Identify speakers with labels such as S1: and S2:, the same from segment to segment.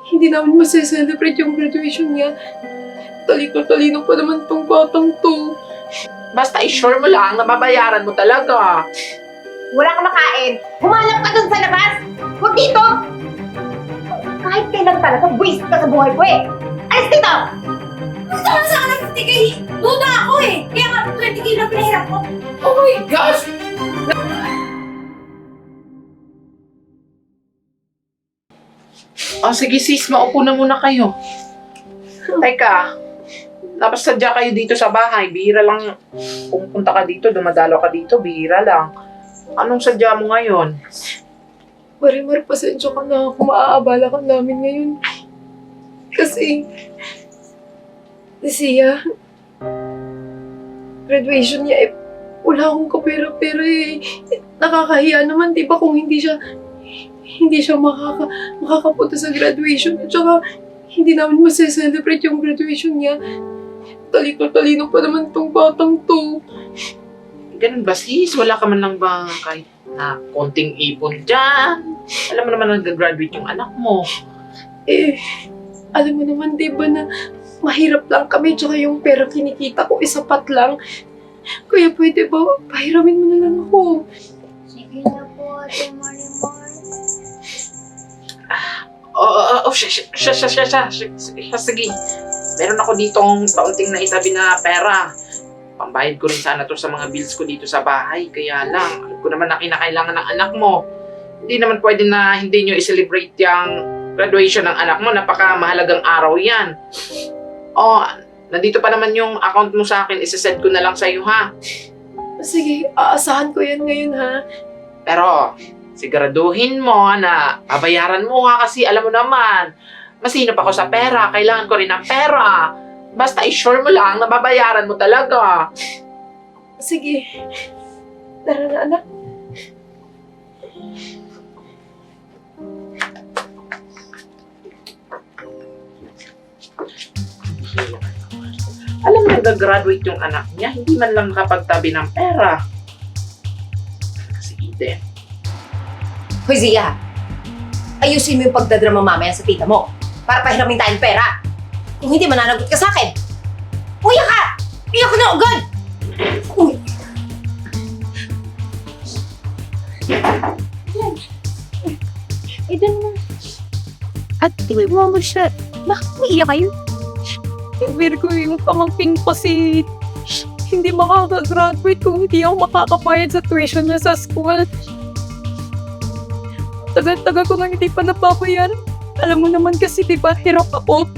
S1: hindi namin maseselebrate yung graduation niya. Talino pa naman tong batang to.
S2: Basta i-sure mo lang na babayaran mo talaga.
S3: Wala kang makain. Humanap ka dun sa labas. Huwag dito. Kahit kailan talaga, waste ka sa buhay ko eh. Alis dito!
S4: Gusto ko sa akin ng 50k. Duda ako eh. Kaya nga 20k na pinahirap ko.
S2: Oh my gosh! Oh, sige sis, maupo na muna kayo. Teka, tapos sadya kayo dito sa bahay. Bihira lang pumunta ka dito, dumadalo ka dito, bihira lang. Anong sadya mo ngayon?
S1: Marimar, pasensya ka na kung maaabala ka namin ngayon. Kasi, Sia, graduation niya wala akong kapera-pera eh. Nakakahiya naman, di ba, kung hindi siya makakapunta sa graduation. At saka, hindi namin maseselebrate yung graduation niya. Talino pa naman tong batang to.
S2: Ganun ba sis? Wala ka man lang ba kahit na konting ipon dyan? Alam mo naman nag-graduate yung anak mo.
S1: Alam mo naman, di ba, na mahirap lang kami, tsaka yung pera kinikita ko, isapat lang. Kaya pwede ba, pahiramin mo na lang ako.
S4: Sige na po, Ate Marimar.
S2: Sige. Meron ako ditong kaunting na itabi na pera. Pambayad ko rin sana to sa mga bills ko dito sa bahay. Kaya lang, alam ko naman na kinakailangan ng anak mo. Hindi naman pwede na hindi nyo i-celebrate yung graduation ng anak mo. Napaka-mahalagang araw yan. Oh, nandito pa naman yung account mo sa akin. Isasend ko na lang sa'yo, ha?
S1: Sige, aasahan ko yan ngayon, ha?
S2: Pero, siguraduhin mo na babayaran mo, ha? Kasi alam mo naman, masinop ako sa pera. Kailangan ko rin ng pera. Basta i-sure mo lang na babayaran mo talaga.
S1: Sige. Tara na, anak.
S2: Alam mo, nag-graduate yung anak niya, hindi man lang nakapagtabi ng pera. Kasi Eden.
S3: Hoy, Zia. Ayusin mo yung pagdadrama mamaya sa tita mo para pahiramin tayong pera. Kung hindi, mananagot ka sa akin. Uya ka! Iyak ka na agad! Uy.
S4: Eden mo. At iwan mo siya. Bakit umiiyak kayo?
S1: Virgo, yung pamangking kasi hindi makaka-graduate kung hindi ako makakapayad sa tuition niya sa school. Tagal-tagal ko nang hindi pa nababayaran. Alam mo naman kasi, di ba, hirap ako.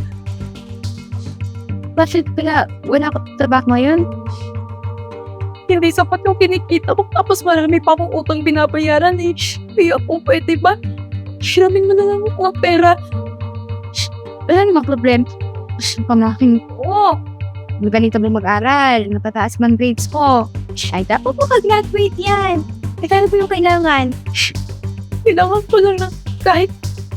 S4: Bakit pala wala ka trabaho ngayon?
S1: Hindi sapat yung kinikita ko, tapos marami pa akong utang binabayaran eh. Kaya kung pwede ba, hiramin mo na lang ako ng pera.
S4: Wala namang problem. Gusto ko nakin ko. Magaling ka mag-aral. Napataas man grades ko. Ay, dapat mo ka-graduate yan. Kaya po yung kailangan.
S1: Kailangan ko lang ng kahit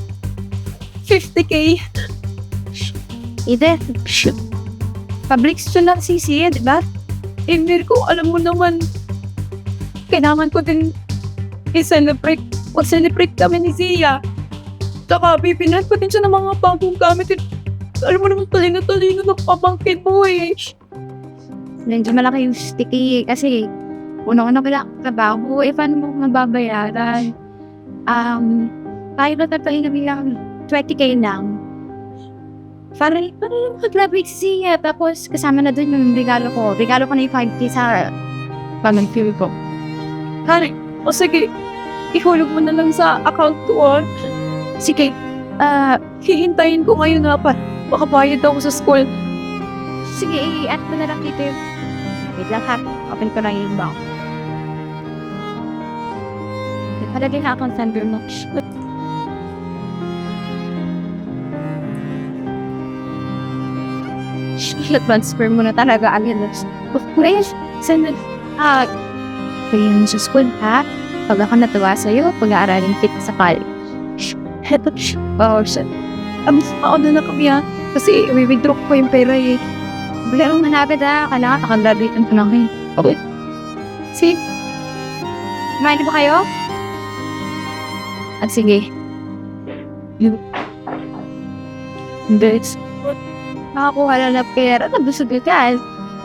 S1: 50k.
S4: Eden, public school lang si Sia, di ba?
S1: Virgo, alam mo naman, kailangan ko din i-celebrate. Mag-celebrate kami ni Zia. Saka, bibinan ko din siya ng mga bagong gamit. Alam mo naman, talino ng pamangkin mo eh.
S4: Medyo malaki yung sticky kasi unang-una wala akong trabaho. Paano mo mababayaran? Tayo na tapahin kami lang 20k lang. Para yung mag-graduate si Sia. Tapos kasama na dun yung regalo ko. Regalo ko na yung 5k sa pamangkin ko.
S1: Hari, o sige, ihulog mo na lang sa account ko. Sige, hihintayin ko ngayon na pa. Baka bayad ako sa school.
S4: Sige, i-add mo na lang dito yung... Wait lang ha. Open ko lang yung bank. Para din na account number mo. Transfer mo na talaga agad. Please, send it. Kaya mo sa school, ha? Pag ako natuwa sa'yo, pag-aaralin kita sa college.
S1: Heto, shit. Ako na kami ha. Kasi i-withdraw ko yung pera eh.
S4: Bigla mong malapit ha. Kailangan nakagraduate ko na kayo.
S1: Okay. See?
S4: Kumain ba kayo? At sige. Bes, nakakuha lang na pera, nabusog yan.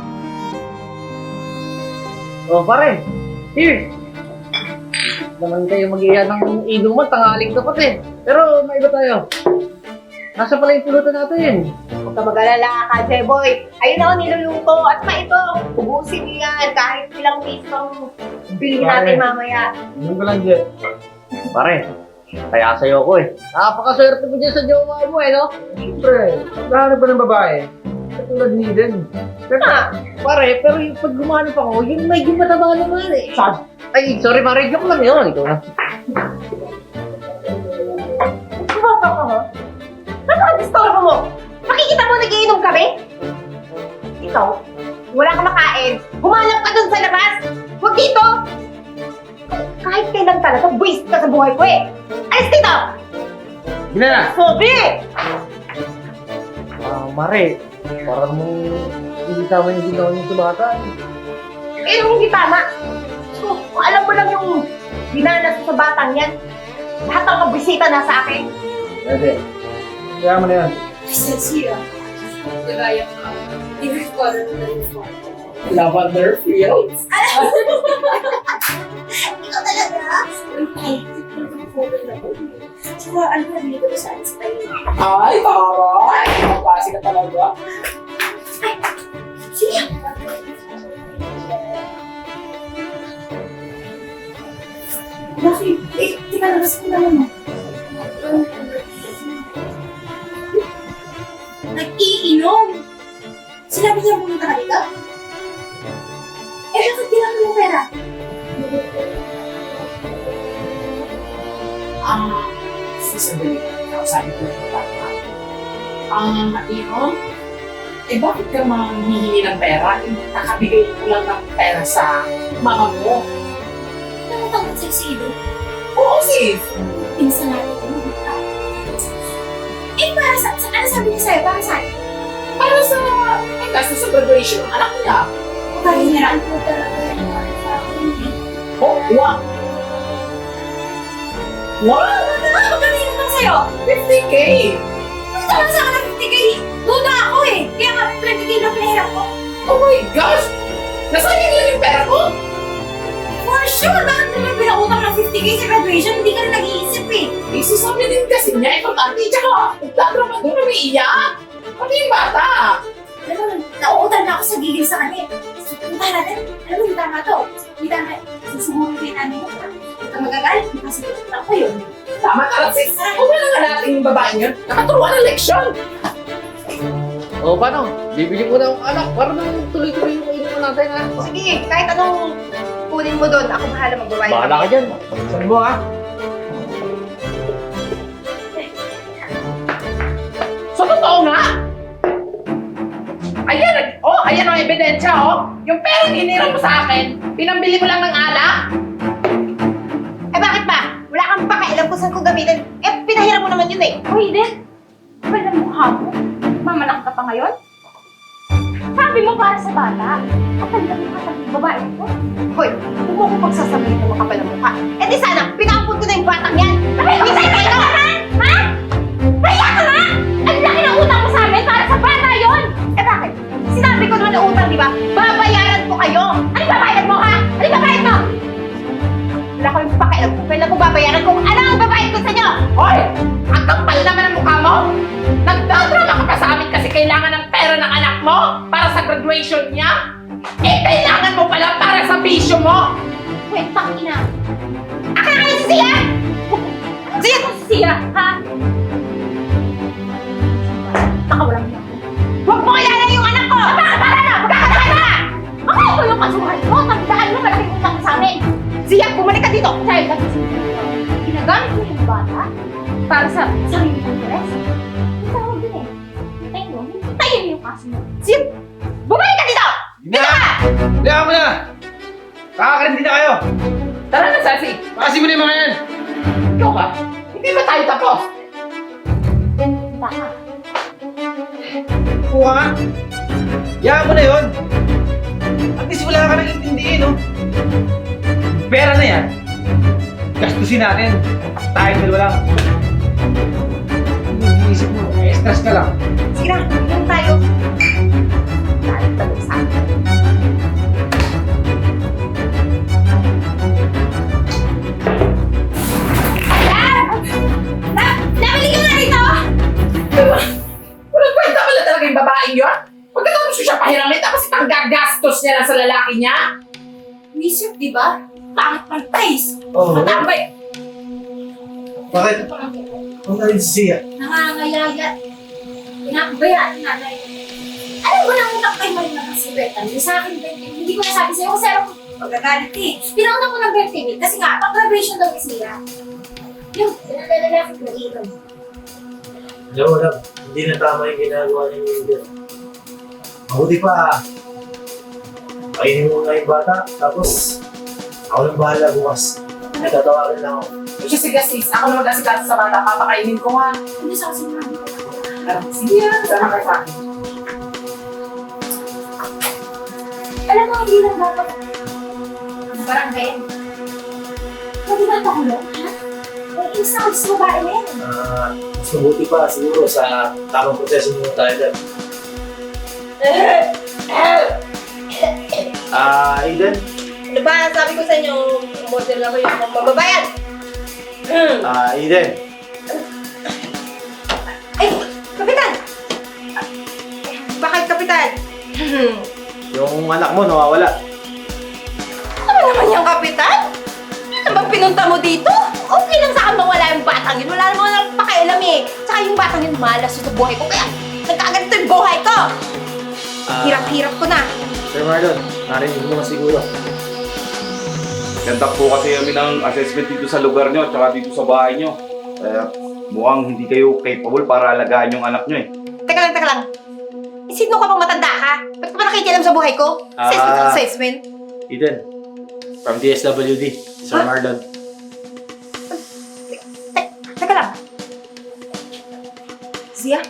S5: Oh, pare. Here. Naman kayo mag-iya ng inuman, tanghaling tapat eh. Pero may iba tayo. Nasa pala yung pulutan natin.
S3: Huwag ka mag-alala, Boy. Ayun ako niluluto. At ito, ubusin niyo yan. Kahit ilang pisong bilhin natin mamaya.
S5: Yun ko lang, Jet. Pare, kaya sa'yo ko eh. Napakaswerte mo dyan sa jowa mo eh, no? Siyempre, maghahanap ba ng babae? Katulad ni Eden. Pero, pare, pero yung pag gumanap ako, yun may mataba naman eh. Ay, sorry pare, joke lang yun. Ikaw na.
S3: Kumapa ka ha? Napaka-distorbo mo! Makikita mo nagiinom kami? Ikaw, wala ka makain. Humanap ka dun sa labas! Huwag dito! Kahit kailan talaga, buwis ka sa buhay ko eh! Alis dito!
S5: Gina na!
S3: Sobi!
S5: Mare, parang hindi tama yung ginawa niyo sa bata.
S3: Eh, hindi tama. So, kung alam mo lang yung dinanas sa batang yan, lahat ng kabisita na sa akin.
S5: Kasi, kaya mo na yan.
S1: Sincere. Gagaya ka. Hindi ko alam na ito.
S2: Lavender fields.
S1: Ikaw talaga? Ay, tsaka ano na dito sa Einstein?
S2: Ay, taray! Magpasi ka talaga.
S1: Sige! Bakit? Eh, teka lang, nasa kong naman mo. Nag-iinom! Sinabi niya pumunta ka dito? Eh, bakit ginamit mo yung pera?
S2: Sasandali. Sabi ko yung bata. Iyon? Eh, bakit ka manghihingi ng pera? Eh, nakabigay ko lang ng pera sa mama mo.
S1: Namatangkat sa'yo si Ido.
S2: Oo, sis.
S1: Pinsan natin ko. Eh, para sa... Ano sabi niya sa'yo? Para saan?
S2: Para sa paggastos sa graduation ng anak niya.
S1: Kahiniraan ko talaga yung para sa akin.
S2: Oh, wow! What?
S1: Magkano yung utang sa'yo?
S2: 50K!
S1: Utang sa akin ng 50K. Duda ako eh. Kaya nga 20K lang pinahirap ko.
S2: Oh my gosh! Nasayang lang yung pera ko?
S1: For sure! Bakit naman pinautang ng 50K sa graduation? Hindi ka rin nag-iisip eh.
S2: Isasabi din kasi niya, importante, tsaka nagdadrama doon na may iyak. Ano yung bata?
S1: Alam mo, nauutang na ako sa gigil sa kanya. Punta natin. Alam mo, hindi tama to. Hindi tama. Susugurin namin ito. Huwag kang magagalit. Kasi utang ko yun.
S2: Tama ka lang, sis. Huwag na nga natin yung babae yun. Nakaturuan ng leksyon.
S5: O, paano? Bibili ko na ang anak para nang tuloy-tuloy yung inuman natin, ha?
S3: Sige, kahit anong kunin mo doon, ako bahala magbabayad.
S5: Bahala ka dyan. Sabi mo, ha?
S2: So, totoo nga. Ayan, ayan ang ebidensya, oh. Yung perang hiniram mo sa akin, pinambili mo lang ng alak.
S3: Eh bakit ba? Wala kang pakialam kung saan ko gamitin. Eh, pinahiram mo naman yun eh.
S1: Uy, Eden. Kapal ng mukha mo. Mamalaki ka pa ngayon? Sabi mo para sa bata. Kapal ng mukha ng babae ko.
S3: Hoy, huwag mo ko pagsasabihin ng makapal ng mukha. Eh di sana, pinakampun ko na yung batang yan. Hintayin ka ito!
S1: Ha? Kaya ka nga! Ang laki ng utang mo sa amin para sa bata yon.
S3: Eh bakit? Sinabi ko naman na utang, di ba? Babayaran ko kayo!
S1: Ano babayad mo, ha? Ano babayad mo?
S3: Wala ko yung pakialam kung kailan ko babayaran kung ano ang babayad ko sa inyo!
S2: Hoy! Ang kapal naman ang mukha mo! Nagdadrama ka pa sa amin kasi kailangan ng pera ng anak mo para sa graduation niya? Eh, kailangan mo pala para sa bisyo mo!
S1: Uy, tangina.
S3: Akin na kayo si Sia!
S1: Siya ko si Sia, ha? Baka walang niya.
S3: Huwag mo kilala yung anak ko!
S1: Para na! Magkakatakan na! Baka ito yung kasuhan mo. Tandaan mo malaking utang mo sa amin.
S3: Sia, bumalik ka dito!
S1: Dahil nagsisimula ko, ginagamit mo yung bata para sa sarili mong interes. Ang tawag din eh. Tayo mo, tayo mo yung kaso mo.
S3: Sia, bumalik ka dito!
S5: Hindi na! Hindi mo na! Kakakarindi na kayo!
S2: Tara na, Sassy!
S5: Pakasi mo na yung mga yan!
S2: Ikaw ba? Hindi ba tayo tapos?
S1: Baka.
S5: Kuha nga! Yaan mo na yun! At least wala ka nang intindihin, no? Pera na yan! Gastusin natin! Tayo dalawa lang! isip mo. Stress ka lang.
S3: Sige na, inom tayo. Dahil talaga sa akin. Nabili ka nga rito!
S2: Walang kwenta pala talaga yung babaeng yun. Pagkatapos ko siya pahiramin, tapos itang gagastos niya lang sa lalaki niya.
S3: Wisip, di ba? Pangit ng taste.
S5: Oo.
S3: Matambay.
S5: Bakit? Ang narin si Sia.
S3: Nangangayayat. Pinapabayaan ni nanay. Alam mo nang unang kay Marina kasi Bertan, yung sa akin 20, hindi ko nasabi sa'yo kasi alam ko magagalit eh. Pinauna ko ng 20 kasi nga, pang-graduation daw is nila. Yung, lalaki ko inom.
S5: Alam, hindi na tama yung ginagawa niya ni Miguel. Mabuti pa, kainin mo nga yung bata, tapos ako nang bahala bukas. Nagtatawagan lang ako.
S2: Siya sige sis, ako na mag-asikaso sa bata, papakainin ko ha.
S3: Hindi sa kasi mga
S2: Sige yan, sama ka sa akin.
S3: alam mo, hindi lang dapat ang barangay. Pwede ba pakulong, ha? Eh, isa ako sa babae na yan.
S5: Mas mabuti pa siguro sa tamang proseso mo tayo dyan. Aiden?
S3: Ano ba, sabi ko sa inyo, model ako yung mababayan.
S5: Aiden?
S3: Ay, Kapitan! Bakit, Kapitan?
S5: Yung anak mo nawawala.
S3: Ano naman yung Kapitan? Ano bang pinunta mo dito? Okay lang sa akin mawala yung batang yun. Wala naman lang pakialam eh. Tsaka yung batang yun malas sa buhay ko. Kaya nagkaganito yung buhay ko. Hirap-hirap ko na.
S5: Sir Marlon, narinig mo naman siguro.
S6: Conduct po kasi kami ng assessment dito sa lugar nyo at saka dito sa bahay nyo. Kaya mukhang hindi kayo capable para alagaan yung anak nyo eh.
S3: Teka lang. Eh, sino ka bang matanda ka? Ba't ka ba nakikialam sa buhay ko? Assessment?
S5: Eden, from DSWD, Sir
S3: Huh?
S5: Marlon.
S3: Teka lang. Zia?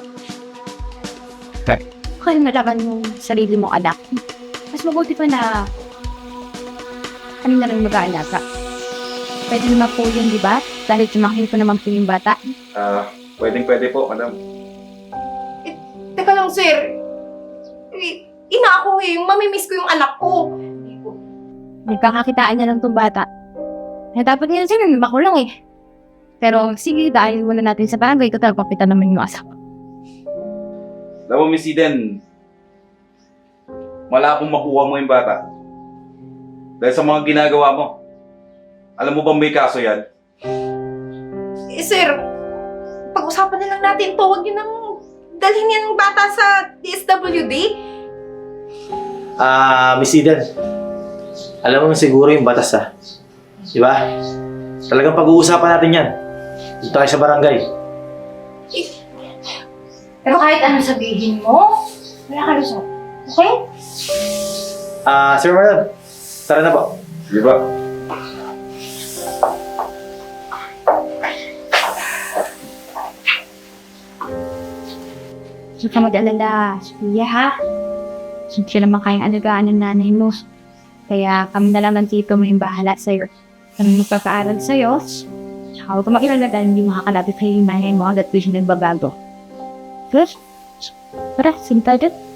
S4: Kaya malaman yung sarili mo, anak. Mas mabuti pa na kami na lang mag-aalaga. Pwede naman po yun, di ba? Dahil tumakin ko naman po yung bata.
S6: Pwede po, madam.
S3: Teka lang, sir. Ina ako eh. Mamimiss ko yung anak ko.
S4: Nagkakakitaan niya lang tong bata. Eh, dapat yun sila, makulong eh. Pero sige, dahil muna natin sa barangay, ito talagang papitan naman yung asawa.
S6: Alam mo, Miss Eden, wala akong makuha mo yung bata. Dahil sa mga ginagawa mo. Alam mo bang may kaso yan?
S3: Eh, sir, pag-usapan na lang natin to. Huwag yun ang dalhin yan ng bata sa DSWD.
S5: Miss Eden, alam mo siguro yung batas di ba? Talagang pag-uusapan natin yan. Dito tayo sa barangay.
S3: Pero kahit ano sabihin mo, wala ka lusot. Okay?
S5: Sir Marlon, tara na po.
S6: Di ba?
S4: Huwag ka mag-alala, Sophia ha? Hindi ka naman kayang alagaan ng nanay mo. Kaya kami na lang ng tito mo yung bahala sa'yo. Kami magpapaaral sa'yo. Tsaka huwag ka mag-alala dahil hindi makakalapit kayo yung nanay mo hanggat di siya nagbabago. Good? Tara, sinta dyan.